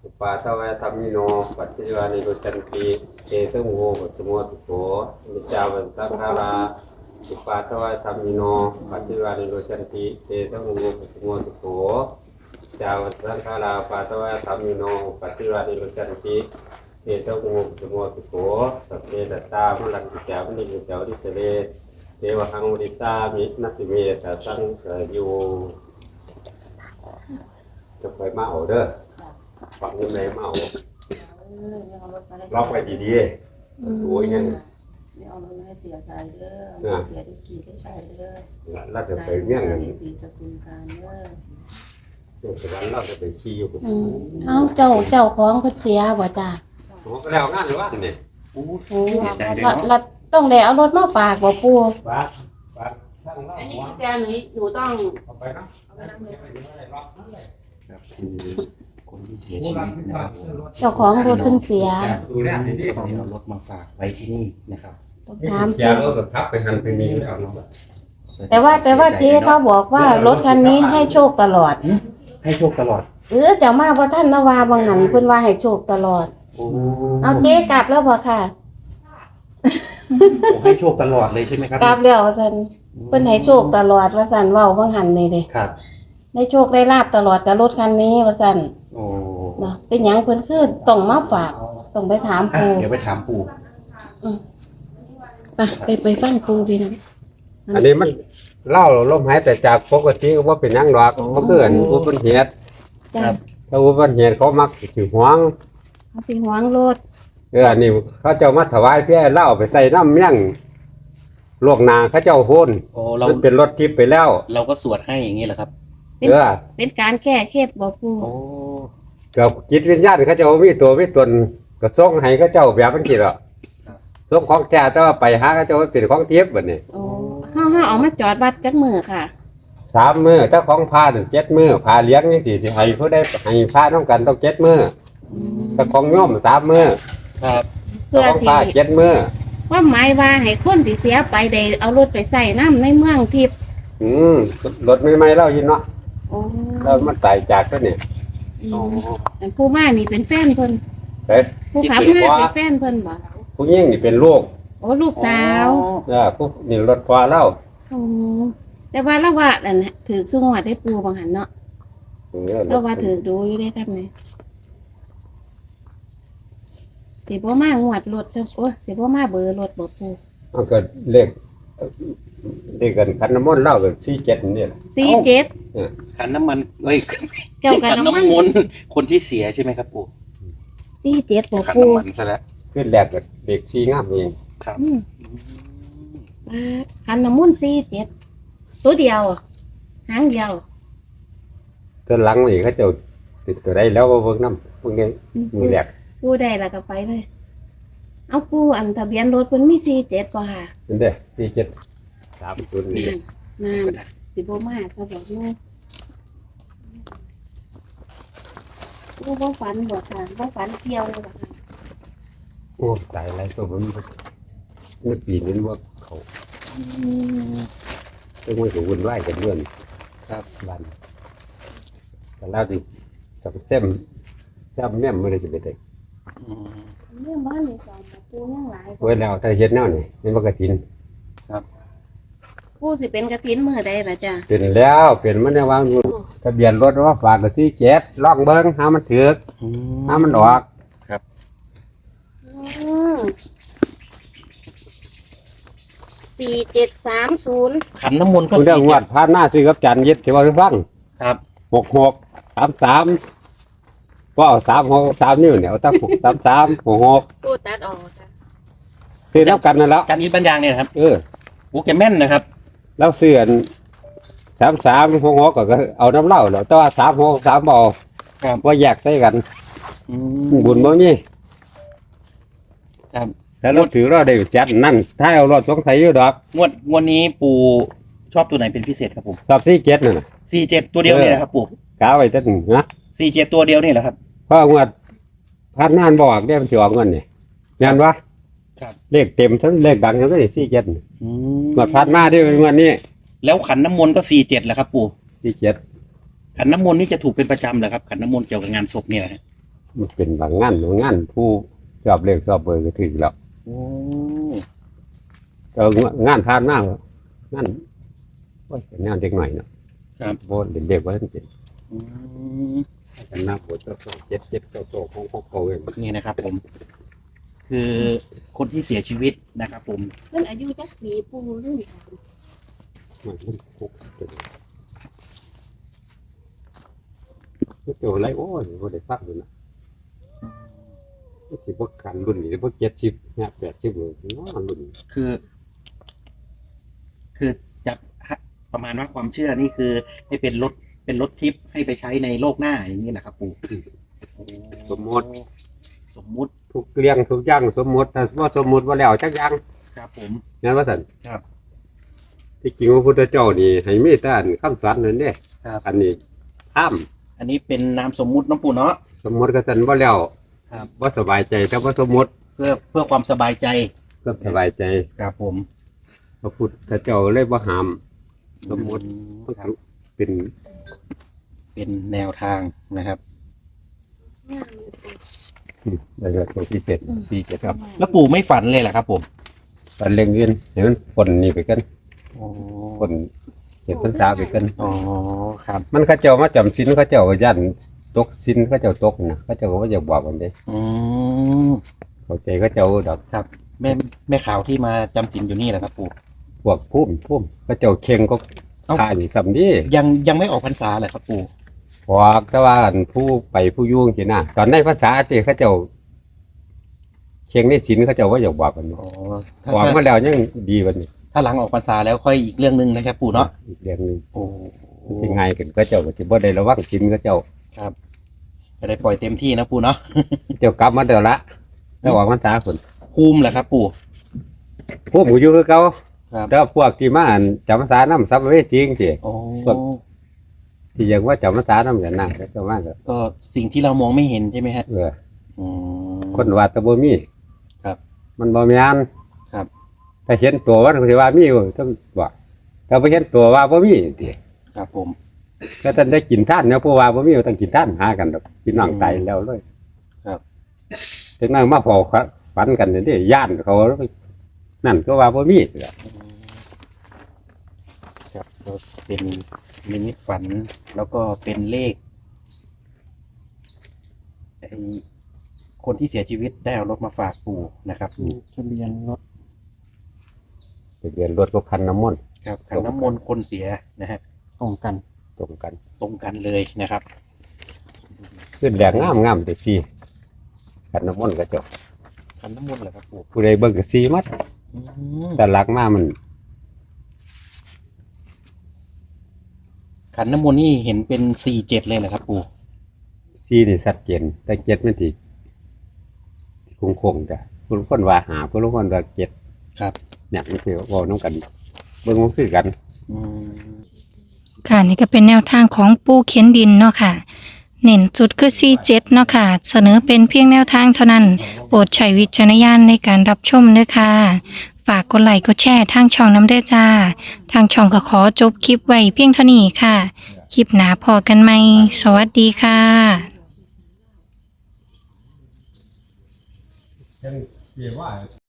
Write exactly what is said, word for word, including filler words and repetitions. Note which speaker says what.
Speaker 1: อุปาทวะธรรมิโนปัจจิวานิโรจันติเตตุโมปัจจโมตุโขมิจาวันตังคาราอุปาทวะธรรมิโนปัจจิวานิโรจันติเตตุโมปัจจโมตุโขจาวันตังคาราอุปาทวะธรรมิโนปัจจิวานิโรจันติเตตุโมปัจจโมตุโขสัพเพสัตตามลังกิจามินิจาวิเสเรเทวหังวริตามินัสสิเมตตังอยู่จะไปมาเอาเด้อฝังยังไงมาเอาล็อกไว้ดีๆโอ้ยยัง
Speaker 2: ไม่เอามันให้เสียใจเด้อเสียได้กี่ได้ใช้เด้อ
Speaker 1: เราจะไปเมี่ยง
Speaker 2: สีสกุลการเด้อ
Speaker 1: เดี๋ยววันเราจะไปขี่อยู่
Speaker 3: อืมเอาเจ้าเจ้าของเพิ่นเสียบ่จ้า
Speaker 1: โอ้ก็แล้วงานหรือว่าเนี่ย
Speaker 4: โอ้
Speaker 3: โอ้
Speaker 4: ใจเลย
Speaker 3: เรา
Speaker 4: เนาะ
Speaker 3: เราต้องได้เอารถมาฝากบ่ปู่
Speaker 1: บ้านบ้านช่างเรา
Speaker 2: อันนี้
Speaker 1: หัว
Speaker 2: กุญแจหนูหนูต้อง
Speaker 1: เอาไปนะ
Speaker 2: เอาไปนั่งเลย
Speaker 4: ครับคือคนที่เสียชีวิตนะครับผม
Speaker 3: เจ้าของรถเพิ่นเสีย
Speaker 1: ดูแลดี
Speaker 4: เขาเอารถมาฝากไว้ที่นี่นะครับ
Speaker 3: ต้อง
Speaker 1: ๆ
Speaker 3: ถาม
Speaker 1: แกเราก็ทับไปหันไปนี้แล้วเนาะ
Speaker 3: แต่ว่าแต่ว่าเจ๊เขาบอกว่ารถคันนี้ให้โชคตลอด
Speaker 4: ให้โชคตลอด
Speaker 3: เออเจ้ามาบ่ท่านนาวาบางหันเพิ่นว่าให้โชคตลอด
Speaker 4: โอ้
Speaker 3: เอาเจ๊กลับแล้วบ่ค่ะ
Speaker 4: ให้โชคตลอดเลยใช่ไหมครับ
Speaker 3: กลับแล้วว่าซั่นเพิ่นให้โชคตลอดว่าซั่นเว้าบางหันนี่เด้
Speaker 4: ครับ
Speaker 3: ได้โชคได้ลาบตลอดกับรถคันนี้ว่าซั่น
Speaker 4: โอ้
Speaker 3: เนาะเป็นหยังเพิ่นคือต้องมาฝากต้องไปถาม
Speaker 4: อ่ะ
Speaker 3: ปู่
Speaker 4: เดี๋ยวไปถามปู่
Speaker 3: ไปไปไปฟังปู่พี่น้อง
Speaker 1: อันนี้มันเล่าลมหายแต่จากปกติก็ว่าเป็นยังดอกมันคืออันอุบัติเหตุ
Speaker 3: จ้า
Speaker 1: ถ้าอุบัติเหตุเขามักสิหวง
Speaker 3: เขาสิหวงรถ
Speaker 1: เอออันนี้เขาเจ้ามาถวายเพี่เล่าไปใส่น้ำเมี่ยงลวกนาเขาเจ้าโหน
Speaker 4: โอ้เรา
Speaker 1: มันเป็นรถทิพย์ไปแล้ว
Speaker 4: เราก็สวดให้อย่างนี้แหละครับ
Speaker 3: เป็น
Speaker 1: เออ
Speaker 3: เป็นการแก้เคล็ดบ่ปู่
Speaker 4: โอ้
Speaker 1: กับจิตวิญญาณเขาเจ้ามีตัวมีตนก็ส่งให้เขาเจ้าแบบมันกี่หรอส่งของแท้แต่ว่าไปหาเขาเจ้ามันเป็นของทิพย์แบบนี้
Speaker 3: โอ้เฮาเฮาเอามาจอดวัดจักมือค่ะ
Speaker 1: สามมือถ้าของพาถึงเจ็ดมือพาเลี้ยงนี่สิสิให้ผู้ได้ให้พาต้องกันต้องเจ็ดมือถ้าของโยมสามมือ
Speaker 4: ครับ
Speaker 3: เพื่อ
Speaker 1: ของ
Speaker 3: สิ
Speaker 1: พาเจ็ดมือ
Speaker 3: ความหมายว่าให้คนที่เสียไปได้เอารถไปใส่น้ำในเมืองทิพย์
Speaker 1: อืมรถไม่ไม่เล่ายินเนาะ
Speaker 3: โอ้
Speaker 1: แล้วมันตายจากซะเนี่ย
Speaker 3: อืมอันผู้มานี่เป็นแฟนเพิ่น
Speaker 1: เฮ้ย
Speaker 3: ผู้ขับมาเป็นแฟนเพิ่นบ่
Speaker 1: ผู้ยิ่งนี่เป็นลูก
Speaker 3: โอ้ลูกสาว
Speaker 1: เออผู้นี่รถพอเล่า
Speaker 3: โอ้แต่ว่าเราว่าอันน่ะถือสุงวดได้ปูบางหันเนาะ
Speaker 1: เออ
Speaker 3: เราว่าถือดูอยู่ได้ครับนี่สิบ่มางวดรถซะโอ้สิบ่มาเบอร์รถบ่ปู
Speaker 1: มันก็เลขเลขกันคันน้ำมนต์เล่ากันสี่เจ็ดนี่แหละ
Speaker 3: สี่เจ็ด
Speaker 4: ขันน้ำมันเอ้ย
Speaker 3: เกี่ยวกับน้ำมัน
Speaker 4: มนต์คนที่เสียใช่ไหมครับปู่
Speaker 3: สี่เจ็ดบ่
Speaker 4: ขัน
Speaker 3: ปู
Speaker 4: น้ำมันซะแล้ว
Speaker 1: ขึ้นแรกกับเด็กสี่งามเอง
Speaker 4: ครับ
Speaker 3: อืมอ่าคันน้ำมันต์สี่เจ็ดตัวเดียวหางเดียว
Speaker 1: ตัวหลังนี่เขาเจะติดตัวได้แล้วว่าเบิ่งน้ำเบิ่งนี้
Speaker 3: อืม
Speaker 1: มือแรก
Speaker 3: ปูได้แล้วก็ไปเลย เอาปูอันทะเบียนรถเพิ่นมีสี่เจ็ดบ่ค่ะ
Speaker 1: เป็นเด้สี่เจ็ดสามศูนย์นี่
Speaker 3: นั่นนั่นสิบ่มาซะบ่เนาะปูบ่ฝันบ่ค่ะบ่ฝันเกี่ยวเลยบ่ค่ะ
Speaker 1: โอ้ตายอะไรตัวมันเมื่อปีนี้ว่าเขา
Speaker 3: อืม
Speaker 1: ต้องไม่ถูกวุ่นวายกันเรื่อง
Speaker 4: ครับ
Speaker 1: บ้านแต่แล้วสิสับเส้มแซ่บแม่มไม่ได้จะไปได้
Speaker 4: อืม
Speaker 3: เรื่องบ้านนี่สอนปูยังหลาย
Speaker 1: ไว้แล้วถ้าเฮ็ดแนวนี่นี่มันก็ทิน
Speaker 3: ปูสิเป็นกระถินมื้อใดล่ะจ้ะ
Speaker 1: เป็นแล้วเป็นมันได้วางอยู่ทะเบียนรถว่าฝากกับสี่เจ็ดลองเบิ่งหามันถือก
Speaker 4: อืม
Speaker 1: หามันออก
Speaker 3: อืมสี่เจ็ดสามศูนย์
Speaker 4: ขันน้ำมนต์ก็
Speaker 1: คุณเรื่อง
Speaker 4: สี่
Speaker 1: งว
Speaker 4: เจ็
Speaker 1: ด
Speaker 4: ด
Speaker 1: ผ่านหน้าซื้อกับจันยึดสิว่าให้ฟัง
Speaker 4: ครับ
Speaker 1: หกหกสามสามก็เอาสามหกสามนิ้วเนี่ยเอาตั้งหกสามสามหกหก
Speaker 3: ปูตัดออกจ้ะ
Speaker 1: ซื้อแล้วกันนั่นแล้ว
Speaker 4: การอินบรรยางเนี่ยนะครับ
Speaker 1: เออ
Speaker 4: โอ้แกแม่นนะครับ
Speaker 1: แล้วเสื่อนสามสามหกหกก็เอาน้ำเหล้าแล้วแต่ว่าสามหกสามบอ
Speaker 4: ครับ
Speaker 1: ว่าแยกใส่กัน
Speaker 4: อืม
Speaker 1: บุญบ่มี
Speaker 4: ครับ
Speaker 1: แล้วเราถือเราได้จัดนั่นถ้าเอารถสงสัยอยู่ดอก
Speaker 4: งวดงวดนี้ปู่ชอบตัวไหนเป็นพิเศษครับผม
Speaker 1: สอบสี่เจ็ดนั่นน่ะ
Speaker 4: สี่เจ็ดตัวเดียวนี่แหละครับปู่
Speaker 1: กาไว้ตั้งนะ
Speaker 4: สี่เจ็ดตัวเดียวนี่แหละครับ
Speaker 1: เพราะงวดพันนานบอกได้มันสิออกเงินนี่งานวะ
Speaker 4: ครับ
Speaker 1: เลขเต็มทั้งเลขดังทั้งนั้นสี่เจ็ด
Speaker 4: อื
Speaker 1: งวดพันมาด้วยงวดนี้
Speaker 4: แล้วขันน้ำมนต์ก็สี่เจ็ดแหละครับปู่
Speaker 1: สี่เจ็ด
Speaker 4: ขันน้ำมนต์นี่จะถูกเป็นประจำเหรอครับขันน้ำมนต์เกี่ยวกับงานศพเนี่ยนะฮะ
Speaker 1: มันเป็นบางงานบางงานผู้ชอบเลขชอบเบอร์ก็ถือแล้ว
Speaker 4: โอ้
Speaker 1: เอองานทานมากงานว่าเป็นงานเด็กหน่อยเนาะ
Speaker 4: ครับ
Speaker 1: โบนเด็กๆว่าท่านเป็น
Speaker 4: อืม
Speaker 1: กันหน้าปวดเจ้าเจ็ดเจ็ดเจ้าโตของของเขาเอง
Speaker 4: นี่นะครับผม คือคนที่เสียชีวิตนะครับผม
Speaker 3: เพิ่นอายุจักปีปูรุ่นค่ะ
Speaker 1: มันมันคุกตัวตัวไรโอ้ยบ่ได้ฟังเลยนะสิบกกันรุ่นนี้พวกเจ็ดชิบเนี่ยแปดชิบเลยน้องรุ่น
Speaker 4: คือ คือจะประมาณว่าความเชื่อนี่คือ ให้เป็นรถเป็นรถทิพย์ให้ไปใช้ในโลกหน้าอย่างนี้แหละครับปู่
Speaker 1: สมมติ
Speaker 4: สมมุติ
Speaker 1: ทุกเรื่องทุกอย่างสมมติถ้าว่าสมมติว่าแล้วจักอย่าง
Speaker 4: ครับผม
Speaker 1: นั่นว่าสัน
Speaker 4: ครับ
Speaker 1: ที่จริงพระพุทธเจ้านี่ให้เมตตาคำสอนนั่นเด้
Speaker 4: ครับ
Speaker 1: อันนี้ห้าม
Speaker 4: อันนี้เป็นนามสมมุติน้องปู่เนาะ
Speaker 1: สมมติก็สันว่าแล้ว
Speaker 4: ครับ
Speaker 1: ว่าสบายใจแต่ว่าสมมติ
Speaker 4: เพื่อเพื่อความสบายใจ
Speaker 1: ก็สบายใจ
Speaker 4: ครับผม
Speaker 1: พระพุทธเจ้าเลยว่าห้ามสมมติ
Speaker 4: ครับ
Speaker 1: เป็น
Speaker 4: เป็นแนวทางนะครับ
Speaker 1: อะไรตัวพิเศษสี่เจ็ดครับ
Speaker 4: แล้วปู่ไม่ฝันเลยเหรอครับผม
Speaker 1: ตอนเลี้ยงเงินเห็นมันผลนี่ไปกัน
Speaker 4: โอ้
Speaker 1: ผลเห็นพรรษาไปกัน
Speaker 4: อ๋อครับ
Speaker 1: มันเข้าเจ้ามาจำสินเข้าเจ้าก็ยันตกสินเข้าเจ้าตกนะเข้าเจ้าก็ว่าจะบอกมันได้
Speaker 4: อืม
Speaker 1: เข้าใจเข้าเจ้าดอก
Speaker 4: ครับแม่แม่ขาวที่มาจำศีลอยู่นี่แหละครับปู่
Speaker 1: พวกพุ่มพุ่มเข้าเจ้าเข่งก็
Speaker 4: เอ้า
Speaker 1: ทายสำนี
Speaker 4: ยังยังไม่ออกพรรษาเลยครับปู่
Speaker 1: พอแต่ว่าอันผู้ไปผู้ยุ่งจีน่ะตอนในภาษาที่เข้าเจ้าเข่งในสินเข้าเจ้าว่าจะบอกมัน
Speaker 4: อ๋อถ้า
Speaker 1: บอกมาแล้วยังดีวันนี้
Speaker 4: ถ้าหลังออกพรรษาแล้วค่อยอีกเรื่องหนึ่งนะครับปู่เนาะ
Speaker 1: อีกเรื่องหนึง
Speaker 4: โอ้
Speaker 1: มันจะง่ายกันเข้าเจ้าก็จะบ่ได้ระวังสินเข้าเจ้า
Speaker 4: ครับจะได้ปล่อยเต็มที่นะปู่เนาะ
Speaker 1: เจ้ากลับมาเดี๋ยวละแล้วออกพรรษาคน
Speaker 4: ภูมิแหละครับปู่
Speaker 1: พุ่มก็อยู่คือเก่า
Speaker 4: ครับ
Speaker 1: แต่พวกที่มาอันจำพรรษาน้ำซับเวจริงสิ
Speaker 4: โอ้
Speaker 1: ครับ ที่ยังว่าจำพรรษาน้ำอย่างนั้นก็เจ้ามาก็
Speaker 4: ก็สิ่งที่เรามองไม่เห็นใช่ไหมฮะ
Speaker 1: เออ
Speaker 4: อืม
Speaker 1: คนว่าแตะบ่มี
Speaker 4: ครับ
Speaker 1: มันบ่แม่น
Speaker 4: ครับ
Speaker 1: ถ้าเห็นตัวว่าสิว่ามีอยู่ต้องว่าถ้าบ่เห็นตัวว่าบ่มีติ
Speaker 4: ครับผม
Speaker 1: ก็ต้องได้กินท่านเนี่ยผู้ว่าบ่มีก็ต้องกินท่านหากันดอกพี่น้องตายแล้วเลย
Speaker 4: ครับ
Speaker 1: ถึงนั่งมาพอฝันกันนี่เด้ย่านเขานั่นก็ว่าบ่มี
Speaker 4: ครับก็เป็นนิมิตฝันแล้วก็เป็นเลขไอ้คนที่เสียชีวิตได้เอารถมาฝากปู่นะครับ
Speaker 5: ทะเบียนรถ
Speaker 1: ทะเบียนรถก็พันน้ำมนต์
Speaker 4: ครับขันน้ำมนต์คนเสียนะฮะ
Speaker 5: ตรงกัน
Speaker 1: ตรงกัน
Speaker 4: ตรงกันเลยนะครับ
Speaker 1: ขึ้นแดงงามๆแต่สิพันน้ำมนต์ก็เจบ
Speaker 4: ขันน้ำมนต์เหรอครับปู่
Speaker 1: ผู้ใดเบิ่งก็สีมัด
Speaker 4: อืม
Speaker 1: แต่หลักมามัน
Speaker 4: ขันน้ำมนต์นี่เห็นเป็นสี่เจ็ดเลยเหรอครับปู่
Speaker 1: สีนี่ชัดเจนแต่เจ็ดมันสิคงคงๆจ้ะผู้คนว่าหาผู้คนว่าเจ็ด
Speaker 4: ครับ
Speaker 1: เนี่ยมันคือเว่าน้องกันเบิ่งมันคือกัน
Speaker 4: อืม
Speaker 6: ค่ะนี่ก็เป็นแนวทางของปูเขียนดินเนาะค่ะ เน้นจุดคือสี่เจ็ดเนาะค่ะ เสนอเป็นเพียงแนวทางเท่านั้น โปรดใช้วิจารณญาณในการรับชมด้วยค่ะ ฝากกดไลค์กดแชร์ทางช่องน้ำเด้อจ้า ทางช่องก็ขอจบคลิปไว้เพียงเท่านี้ค่ะ คลิปหนาพอกันไหม สวัสดีค่ะ
Speaker 1: เสียว่า